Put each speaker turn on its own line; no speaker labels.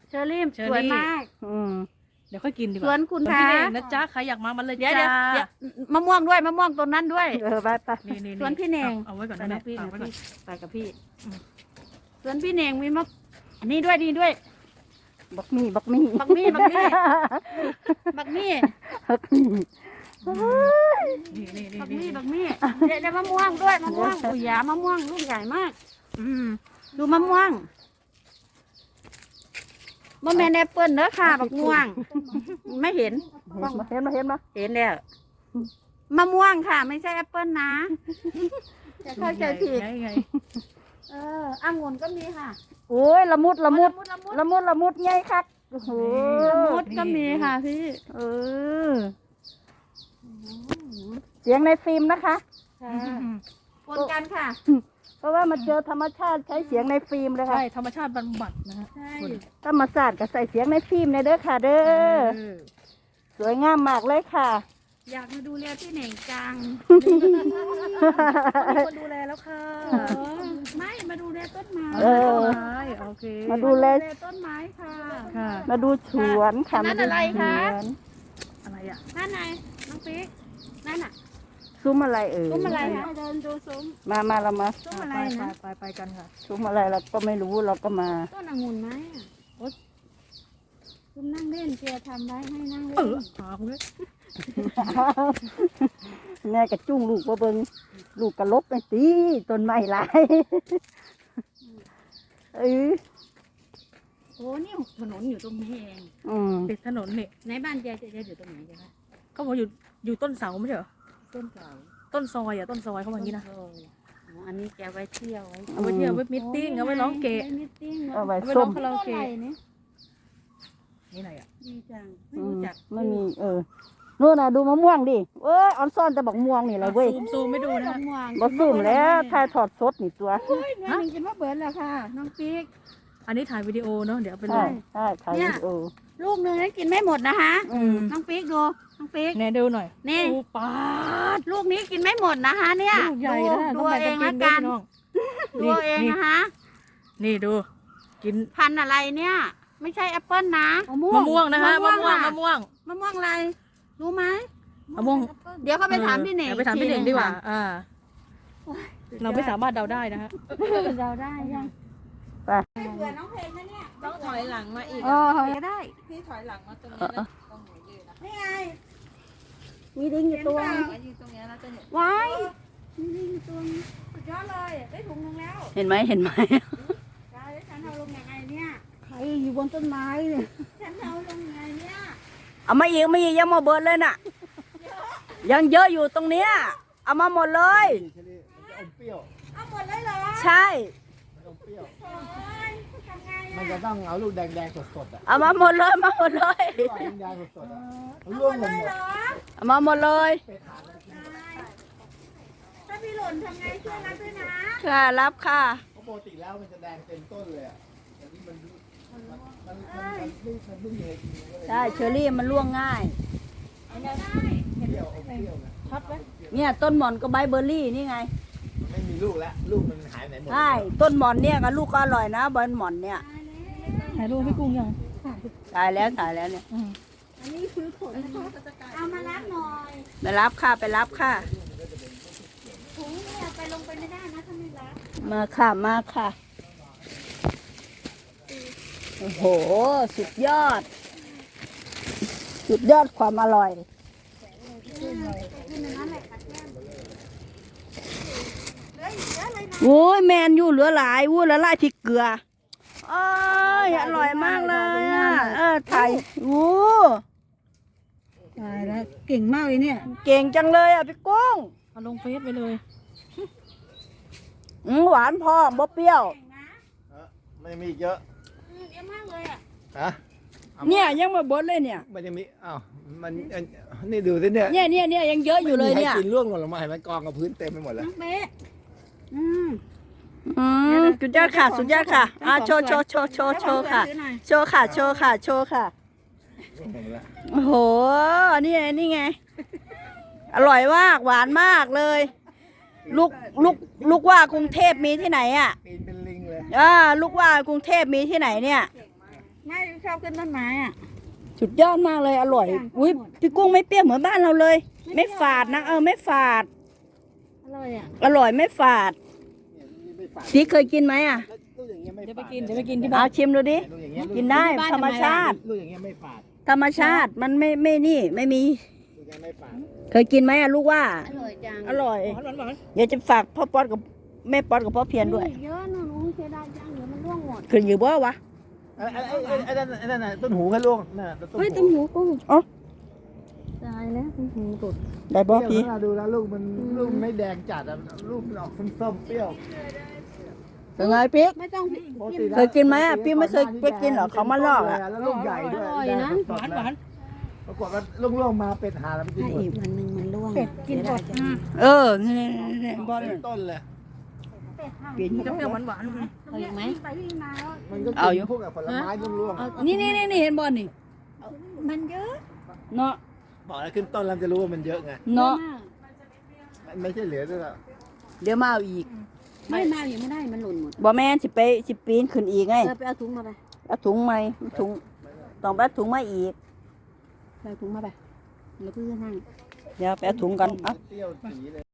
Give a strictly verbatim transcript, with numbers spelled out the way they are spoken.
เชอรี่สวยมาก
อืม
เดี๋ยวค่อยกินดีกว่า
สวนคุณ
สวน
คะ
พี่เน่งนะจ๊ะใครอยากมามันเลย
เดี๋ยว
จ้า
เดี๋ยวมะม่วงด้วยมะม่วงต้นนั้นด้วย
เออไปไป
นี่นี่
สวนพี่เน่ง
เอาไว้ก่อน
ไป
นะ
น้
แม่
องพี่
ฝาก
นะ
ไว้ก่อน
พี่ไปกับพี่สวนพี่เน่งมีมะอันนี้ด้วยดีด้วย
บักมี่บักมี่
บักมี่บักมี่บักมี่
บักมี่
นี่นี่นี่
บัก
นี่
มี่บักมี่เดี๋ยวได้มะม่วงด้วยมะม่วงอุ้ยยามะม่วงลูกใหญ่มาก อืมดูมะม่วงมะแมนแอปเปิ้ลเด้อค่ะบักม่วง ไม่เห็น
เห็นมาเห็นมา
เห็นแล้วมะม่วงค่ะ ไม่ใช่แอปเปิ้ลนะจะเข้าใจผิด
ไงไง
เออองุ่นก็มีค่ะ
โอ้ยละมุดละมุด
ละมุด
ละมุดละมุดไงคักโอ้โห
ละมุดก็มีค่ะพี่
เออเสียงในฟิล์มนะคะ
ปนกันค่ะ
เพราะว่ามันเจอธรรมชาติใช้เสียงในฟิล์มเลยค่ะ
ใช่ธรรมชาติบำบัดนะฮะ
ใช่
ธรรมศาสตร์ก็ใส่เสียงในฟิล์มในเด้อค่ะเด้อสวยงามมากเลยค่ะ
อยากมาดูแลพี่เหน่งจัง
มีคนดูแลแล้วค่ะ
เออไม่มาดูแลต้นไม้
เออ
ไม้โอเค
มาดูแล
ต้นไม้ค่ะ
ค่ะ
มาดูสวนค่ะ
นั่
มาน ดู
อะไร
ส
คะ
วน
อะไรอ่ะ
นั่นไงน้องปิ๊กนั่นน่ะ
ซุ้มอะไรเอ่ย
ซุ้มอะไรคะเดินดูซุ้ม
มามาเรามา
ซุ้มอะไร
ไป
นะ
ไปไปกันค่ะ
ซุ้มอะไรเราก็ไม่รู้เราก็มา
ต้นองุ่นไหมอ่ะโอ๊ยซุ้มนั่งเล่นเกียร์ทำไว้ให้นั่งเล่
เอน อหาคุณเลย
แม่กระจุ้งลูกว่าเบิงลูกกระลบไปตีต้นไม้หลายเออ
โอ้นี่ถนนอยู่ตรงนี้เอง
อืม
ติดถนนนี่
ในบ้านแกจะอยู่ตรงไหนจ๊ะคะ
เขาบอกอยู่อยู่ต้นเสาไม่ใช่เหรอ
ต้นเก่า
ต้นซอยอ่ะต้นซอยเขาบอกอย่างนี้นะ
โอ้โหอันนี้แกไว้เที่ยวไว้
เอาไว้เที่ยวไว้มิทติ้งเอาไว้ร้องเกะ
ไว้มิทติ้ง
เอาไว้
เอาไว้
ส้
ร้อ
ม
งคาราโอเกะ
ต้นอะไรเนี่ย
นี่ไหนอ่ะ
ดีจังไม่
อืม
รู้จัก
ไม่มีเออนู่นน่ะดูมะม่วงดิเอ้ยออนซ่อนแต่บอกม่วงนี่แหละเว้ย
ซูมซูมไม่ดูนะฮะ
ม่วง
บ่ซุ่มแล้วถ่ายถอดสดนี่ตัว
โอ้ยแม่หนึ่งกินว่าเบิร์ดแล้วค่ะน้องปิ๊ก
อันนี้ถ่ายวิดีโอเนาะเดี๋ยวเอาไปล
ใช่
ง
ใช่ถ่ายวิดีโอ
ลูกหนึ่งนั้นกินไม่หมดนะคะ
อืม
น้องปิ๊กดูน้องปิ๊ก
แน่ดูหน่อย
นี่
โอ้ปาด
ลูกนี้กินไม่หมดนะคะเนี่ย
ลูกใหญ่นะ
ดู
ต้อง
เอา
แบ่ง
เอ
กั
ง
นกิ
ละ
นด้วย
กัน
พี่น้อง
ดูเอาเอง
นี่
นะคะ
นี่ดู กิน
พันธุ์อะไรเนี่ย ไม่ใช่แอปเปิ้ลนะ
มะม่วงนะคะมะม่วง
ค่ะ
มะม่วง
มะม่วงอะไรรู้ไหม
มะม่วง
เดี๋ยวเขาไปถามพี่เหน่ง
ออไปถามพี่เหน่งดีกว่า
ค่ะ
อ่า เราไม่สามารถเดาได้นะฮะ
เราได้ยัง
ไป
เผื่อน้องเพลงนะเนี่ย
ต้องถอยหลังมาอีก
เออก็ได้
พี่ถอยหลังมาตรงนี้แล้วตรงหนูยืนนะ
นี่ไง
มีดิ้งอยู่ตัว
มายืนตรงนี้แล้วจะเห็น
ว้ายนี่นี่ตัวนี้สุดยอดเลยได้ถุงนึงแล้ว
เห็นไหมเห็นไหม
ได้แล้วฉันเอาลงยังไงเนี่ย
ใครอยู่บนต้นไม้เนี่ย
ฉันเอาลงยังไงเนี่ย
เอามาอีกมาอีกยังมาเบิดเลยน่ะ ยังเยอะอยู่ตรงเนี้ยเอามาหมดเลย
เอาหมดเลยเหรอ
ใช่
โอ้ยทำไง
มัน
อ่ะ
จะต้องเอาลูกแดงๆสดๆอ่ะ
เอามาหมดเลยมาหมดเลย
ลูกแดงๆสดๆอ่ะ
เอาหม
ร่วง
ด
หม
เล
ด
ย
หม
เหร
ด
อ
เอามาหมดเลย
ถ้าพี่หล่นทำไงช่วยรับด้วยนะ
ค่ะรับค่ะ
เพราะปกติแล้วมันจะแดงเต็มต้นเลยอ่ะแต่นี่มันมันมันมันมันเพิ่งมันเพิ่งเลยจริงๆก็เลย
ใช่เชอรี่มันร่วงง่าย
เปรี้ยวอมเปรี้ยวนะ
เนี่ยต้นหม่อนก็ใบเบอร์รี่นี่ไง
ไม่มีลูกแล้วลูกมันหายไหนหมด
ใช่ต้นหม่อนเนี่ยกับลูกก็อร่อยนะใบหม่อนเนี่ย
ถ่ายรูปพี่กุ้งยัง
ตายแล้วตายแล้วเนี่ย
เอามารับหน่อย
ไปรับค่ะไปรับค่ะ
ถุงเนี่ยไปลงไปไม่ได้นะถ้าไม่รับ
มาค่ะมาค่ะโอ้โหสุดยอด สุดยอดความอร่อย
กินในนั้นแหละค่ะแก้มเหลืออีกเยอะเลยนะ
โอ้ยแมนอยู่เหลือหลายวู้ละลายพริกเกลือโอ้ยอร่อยมากเลยอ่ะเออไทยโอ้
ตายแล้วเก่งมากเลยเนี่ย
เก่งจังเลยอ่ะพี่กุ้ง
เอาลงเฟซไปเลย
อืมหวานพอบ่เปรี้ยว
เก่งนะ
เออมันยังมีอีกเยอะ
อืมเยอะมากเลยอ่ะ
ฮะ
เนี่ยยังมาบดเลยเนี่ย
มันยังมีอ้าวมันอันนี่ดูสิเนี่ย
เนี่ยเนี่ยเนี่ยยังเยอะอยู่เลยเนี่ย
ไม่มีใครกินร่วงหล่นลงมาเห็นมันกองกับพื้นเต็มไปหมดแล้ว
น้องเบ๊ะอืม
อืมสุดยอดค่ะสุดยอดค่ะอ่ะโชว์โชว์โชว์โชว์โชว์ค่ะ
ซื้อหน่อย
โชว์ค่ะโชว์ค่ะโชว์ค่ะ
ร่วงหมดแล้ว
โอ้โหนี่ไงนี่ไง อร่อยมากหวานมากเลย ลูกลูกลูกว่ากรุงเทพมีที่ไหนอ่ะ
ปีนเป็นลิงเลย
อ่าลูกว่ากรุงเทพมีที่ไหนเนี่ย
อไม่ชอบขึ้นต้นไม้อ่ะ
สุดยอดมากเลยอร่อย อุ้ยพี่กุ้งไม่เปรี้ยวเหมือนบ้านเราเลย ไม่ฝาดนะเออไม่ฝาด
อร่อยอ่ะ
อร่อยไม่ฝาด
เนี่ยนี่ไม่ฝาด
พี่เคยกินไหมอ่ะ
ลูกอย่างเงี้ยไม่
เดี๋ยว
ฝา
ไป
ด
กินเดี๋ยวไปกินที่บ้า
เอา
น
ชิมดูดิ
ลูกอย่างเงี้ย
กินได้ธรรมชาติ
ลูกอย่างเงี้ยไม่ฝาด
ธรรมชาติมันไม่ไม่นี่ไม่มี
ลูกอย่างเงี้ยไม่ฝาด
เคยกินไหมอะลูกว่า
อร่อยจัง
อร่อย
หวานหวานหวาน
เดี๋ยวจะฝากพ่อป๊อดกับแม่ป๊อดกับพ่อเพียรด้วย
เยอะนู่นอุ้งเสียดายจังเดี๋ยวมันร่วงหมด
ขึ้นอยู่บ่วะ
ไอ้ไอ้ไอ้ไอ้นั่นไอ้นั่นน่ะต้นหูกันลูกน่ะต้นหู
เฮ้ยต้มหูกุ้ง
อ๋อ
ตายแล้วต้มหูตุด
ได้บ่
เปรี้
พี่
ยวนะดูแล้วลูกมันลูกมันไม่แดงจัดอะลูกมันออกส้มๆเปรี้ยว
เป็นไงพี่
ไม่ต้อง
ปกติแล้ว
เคยกินไหมอะพี่ไม่เคยไปกินเหรอเขามาลอกอะ
แล้วลูกใหญ่ด้วย
อร่อยนะ
หวานหวาน
ปรากฏว่าล่วงๆมาเป็นหาแล้วไม่กิน
ถ้า
หมด
อีกวันหนึ่งมันร่วง
กินหมด
เออนี่นี่นี่บอล
เป็นต้นเลย
เปลี่ยน
จะเปรี้ยวหวานหวาน
เอาอีกไหม
มันก็
เอาอยู่
กินพวกกับผลไม้ล่วง
นี่นี่นี่นี่เห็นบอลนี่
มันเยอะ
เนาะ
ๆบอกแล้วขึ้นต้นแล้วจะรู้ว่ามันเยอะไง
เนาะ
มันไม่ใช่เหลือด้วยหรอก
เดี๋ยวมาเอาอีก
ไม่มาอยู่ไม่ได้มันหล่นหมด
บ่แม่นสิไปสิปีนขึ้นอีกไง
เออไปเอาถุงมาไป
เอาถุงไหมถุงต้องไปเอาถุงมาอีก
ไปเอาถุงมาไปแล้วเพื่อนให้
เดี๋ยวไปเอาถุงกันอ่ะ
เปรี้ยวสีเลย